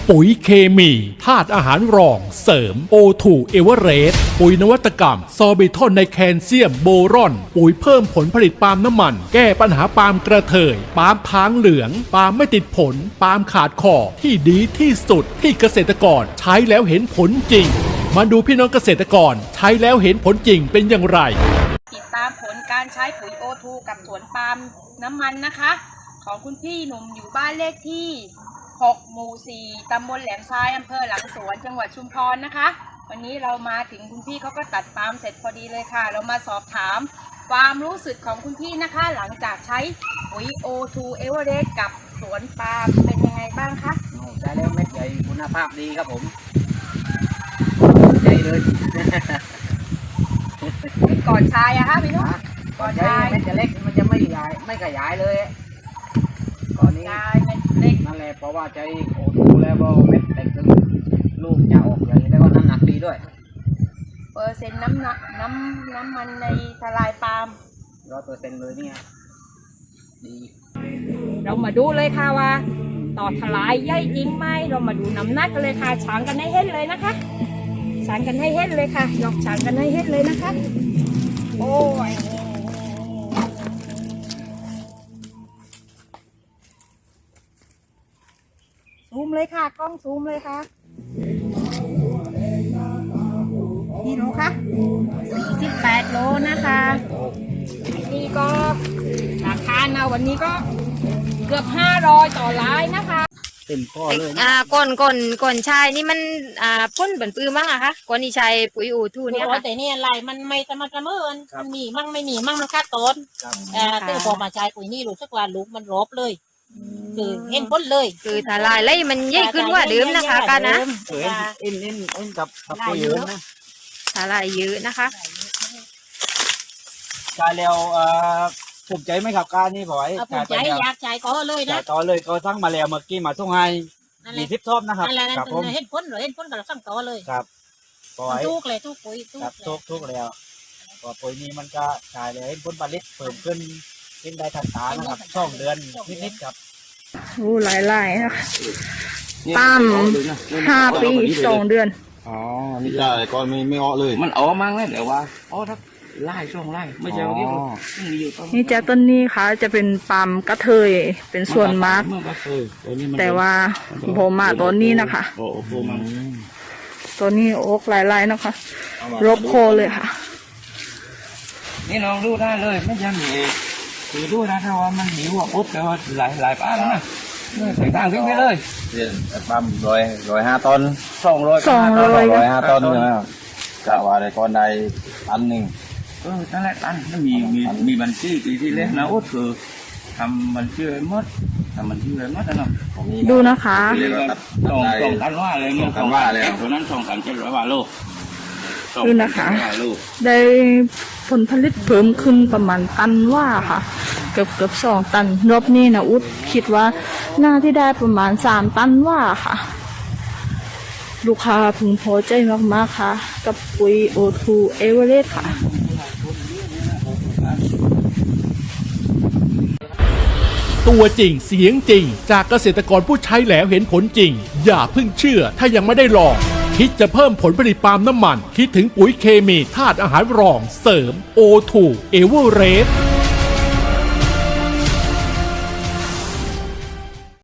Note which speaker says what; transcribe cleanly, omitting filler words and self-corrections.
Speaker 1: ปุ๋ยเคมีธาตุอาหารรองเสริม O2 เอเวอเรสต์ปุ๋ยนวัตกรรมซอร์บิทอนในแคลเซียมโบรอนปุ๋ยเพิ่มผลผลิตปาล์มน้ำมันแก้ปัญหาปาล์มกระเทยปาล์มค้างเหลืองปาล์มไม่ติดผลปาล์มขาดคอที่ดีที่สุดที่เกษตรกรใช้แล้วเห็นผลจริงมาดูพี่น้องเกษตรกรใช้แล้วเห็นผลจริงเป็นอย่างไร
Speaker 2: ติดตามผลการใช้ปุ๋ย O2 กับสวนปาล์มน้ำมันนะคะของคุณพี่หนุ่มอยู่บ้านเลขที่6 หมู่ 4 ตำบลแหลมทรายอำเภอหลังสวนจังหวัดชุมพรนะคะวันนี้เรามาถึงคุณพี่เขาก็ตัดปาล์มเสร็จพอดีเลยค่ะเรามาสอบถามความรู้สึกของคุณพี่นะคะหลังจากใช้ปุ๋ย O2 เอเวอเรสต์กับสวนปาล์มเป็นยังไงบ้างคะ
Speaker 3: ใช้แล้วเม็ดใหญ่คุณภาพดีครับผมใจเลย
Speaker 2: ก่อนใช้อะคะพี่นุ๊ก
Speaker 3: ก่อนใช้เม็ดจะเล็กมันจะไม่ใหญ่ไม่ขยายเลยก่อนนี้
Speaker 2: เม็ดเล็ก
Speaker 3: นั่นแหละเพราะว่าใช้โอทูแล้วก็เม็ดเล็กลูกจะออกใหญ่แล้วก็น้ำหนักดีด้วย
Speaker 2: เปอร์เซ็นต์น้ำมันในทลายปาล์ม
Speaker 3: 100%เลยเนี่ยดี
Speaker 2: เรามาดูเลยค่ะว่าต่อทลายใหญ่จริงไหมเรามาดูน้ำหนักกันเลยค่ะฉางกันให้เห็นเลยนะคะฉางกันให้เห็นเลยค่ะยกฉางกันให้เห็นเลยนะคะโอ้ยซูมเลยค่ะกล้องซูมเลยค่ะนี่โลค่ะ48 โลนะคะนี่ก็ราคานะวันนี้ก็เกือบ500ต่อลายนะคะ
Speaker 3: เต็มข้อเลย
Speaker 4: ก่อนใช้นี่มันพ่นเหมือนปื้มมั้งอะคะก่อนที่ใช้ปุ๋ยO2เนี่ยค่ะ
Speaker 2: แต่นี่อะไรมันไม่สม่ำเสมอมันมีมั่งไม่มีมั่งมันคาดต้นแต่พอมาใช้ปุ๋ยนี่รู้สึกว่าลูกมันรบเลยคือเห็นพ้นเลย
Speaker 4: คือถ้าลายไล่มันใหญ่ขึ้นกว่าเดิมนะคะกันนะ
Speaker 3: เอ็นกับปุ๋ยเยอะนะ
Speaker 4: ถ้าลายเยอะนะคะ
Speaker 3: ใช้แล้วภูมิใจไหมครับการนี่บ่อย
Speaker 2: ภูมิใจอยากใจก็เลยนะ
Speaker 3: ต่อเลยก็ทั้งมาแล้วเมื่อกี้มาส่งให้20 ทอบนะครับ
Speaker 2: ครับผมเห็นพ้นกับเราสั่งต่อเลย
Speaker 3: ครับ
Speaker 2: ทุกเลยทุกปุ๋ย
Speaker 3: ทุกแล้วก็ปุ๋ยนี้มันก็ใช้เลยผลผลิตเพิ่มขึ้นเป็นได้ทันตานะครับ2 เดือนนิดๆครับ
Speaker 4: โอ้หลายๆนะคะตาม5 ปี 2 เดือน
Speaker 5: อ๋อนี่ได้ก่อนไม่ออกเลย
Speaker 3: มันออกมั้งเลยเดี๋ยวว่าอ๋อถ้าไล่ช่วงไล่ไม่ใช่ว่า
Speaker 4: นี่จะต้นนี้ค่ะจะเป็นปาล์มกระเทยเป็นส่วนมากแต่ว่าโผล่มาต้นนี้นะคะตัวนี้โอ๊กหลายๆนะคะรบโคเลยค่ะ
Speaker 3: นี่ลองดูได้เลยไม่ยังมีคือดูนะถ้าว่ามันหิวปุ๊บแต่ว่าหลายป้านะใส่ต่างทิ้งไปเลย
Speaker 5: ปั๊ม105 ต้น105 ต้นใช่ไหมครับกะว่าได้ก้อนใดตันหนึ่ง
Speaker 3: นั่นแหละตันมันมีบัญชีปีที่เล็กนะอุดคือทำบัญชีไว้หมดทำบัญชีไว้หมดนะเนาะ
Speaker 4: ดูนะคะ
Speaker 3: ส่งกันว่าเลย
Speaker 5: ส่งกันว่าเลย
Speaker 3: ตัวนั้น2,700 บาทโล
Speaker 4: ดูนะคะได้ผลผลิตเพิ่มขึ้นประมาณตันว่าค่ะเกือบ2 ตันรอบนี้นะอุดคิดว่าน่าที่ได้ประมาณ3 ตันว่าค่ะลูกค้าพึงพอใจมากๆค่ะกับปุ๋ยO2 เอเวอเรสต์ค่ะ
Speaker 1: ตัวจริงเสียงจริงจากเกษตรกรผู้ใช้แล้วเห็นผลจริงอย่าเพิ่งเชื่อถ้ายังไม่ได้ลองคิดจะเพิ่มผลผลิตปาล์มน้ำมันคิดถึงปุ๋ยเคมีธาตุอาหารรองเสริม O2 เอเวอเรสต์